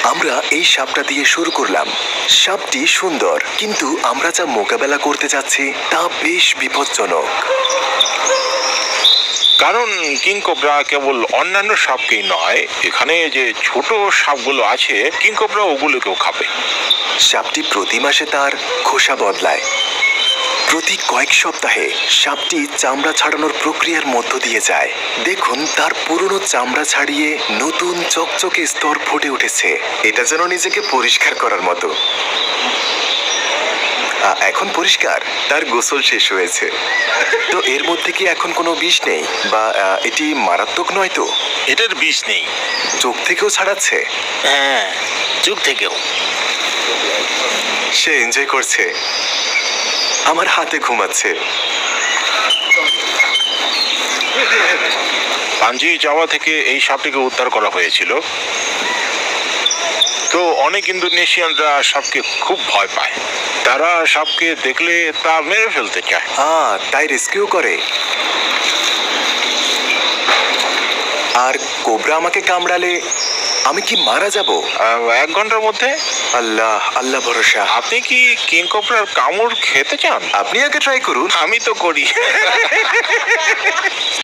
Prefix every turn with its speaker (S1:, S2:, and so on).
S1: আমরা এই সাপটা দিয়ে শুরু করলাম। সাপটি সুন্দর, কিন্তু আমরা যা মোকাবেলা করতে যাচ্ছি তা বেশ বিপজ্জনক।
S2: কারণ কিং কোবরা কেবল অন্যান্য সাপকেই নয়, এখানে যে ছোট সাপগুলো আছে কিং কোবরা ওগুলোকেও খাবে।
S1: সাপটি প্রতি মাসে তার খোসা বদলায়। প্রতি কয়েক সপ্তাহে সাপটি চামড়া ছাড়ানোর প্রক্রিয়ার মধ্য দিয়ে যায়। দেখুন, তার পুরনো চামড়া ছাড়িয়ে নতুন চকচকে স্তর ফুটে উঠেছে। এটা যেন নিজেকে পরিষ্কার করার মতো। এখন পরিষ্কার, তার গোসল শেষ হয়েছে। তো এর মধ্যে কি এখন কোনো বিষ নেই, বা এটি মারাত্মক নয় তো?
S2: এটার বিষ নেই।
S1: চোখ থেকেও ছাড়াচ্ছে?
S2: হ্যাঁ, চোখ থেকেও।
S1: সে এনজয় করছে। আমার হাতে ঘুমাচ্ছে।
S2: পাঞ্জি জাভা থেকে এই সাপটিকে উদ্ধার করা হয়েছিল। তো অনেক ইন্দোনেশিয়ানরা সাপকে খুব ভয় পায়। তারা সাপকে দেখলে তা মেরে ফেলতে চায়।
S1: তাই রেস্কিউ করে। আর কোবরা আমাকে কামড়ালে আমি কি মারা যাব?
S2: 1 ঘন্টার মধ্যে।
S1: আল্লাহ আল্লাহ ভরসা।
S2: আপনি কি কিং কোবরার কামড় খেতে চান?
S1: আপনি আগে ট্রাই করুন।
S2: আমি তো করি।